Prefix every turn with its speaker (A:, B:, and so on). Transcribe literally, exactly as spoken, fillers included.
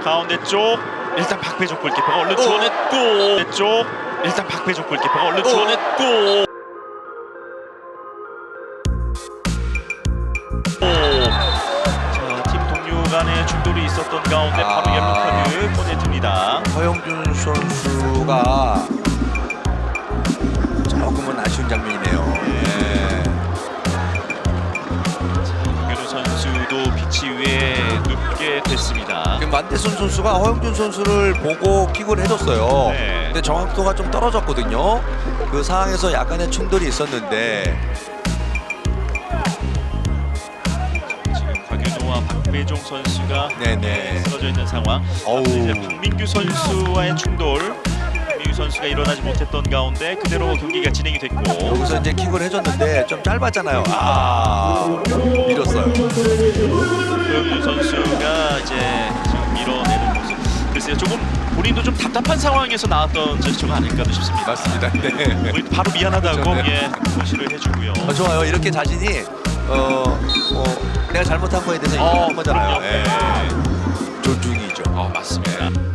A: 가운데 쪽 일단 박배종 골키퍼가 얼른 주워냈고 쪽 일단 박배종 골키퍼가 얼른 주워냈고 자, 팀 동료 간의 충돌이 있었던 가운데 바로 옐로 카드 보내줍니다.
B: 허영준 선수가 조금은 아쉬운 장면이네요. 예.
A: 박규로 선수도 피치 위에 눕게 됐습니다.
B: 그 만대순 선수가 허영준 선수를 보고 킥을 해줬어요.
A: 네.
B: 근데 정확도가 좀 떨어졌거든요. 그 상황에서 약간의 충돌이 있었는데
A: 지금 박윤호와 박배종 선수가
B: 네네.
A: 쓰러져 있는 상황.
B: 어우.
A: 이제 박민규 선수와의 충돌. 박민규 선수가 일어나지 못했던 가운데 그대로 경기가 진행이 됐고.
B: 여기서 이제 킥을 해줬는데 좀 짧았잖아요. 아, 밀었어요.
A: 박윤호 선수가 이제 지금 밀어내는 모습. 글쎄요, 조금 본인도 좀 답답한 상황에서 나왔던 제스처가 아닐까도 싶습니다.
B: 맞습니다. 네.
A: 우리 바로 미안하다고
B: 그렇죠, 네.
A: 예, 표시를 해주고요.
B: 어, 좋아요. 이렇게 자신이 어, 어 내가 잘못한 거에 대해서
A: 어,
B: 인정한 거잖아요.
A: 그럼요.
B: 예. 존중이죠.
A: 어, 맞습니다.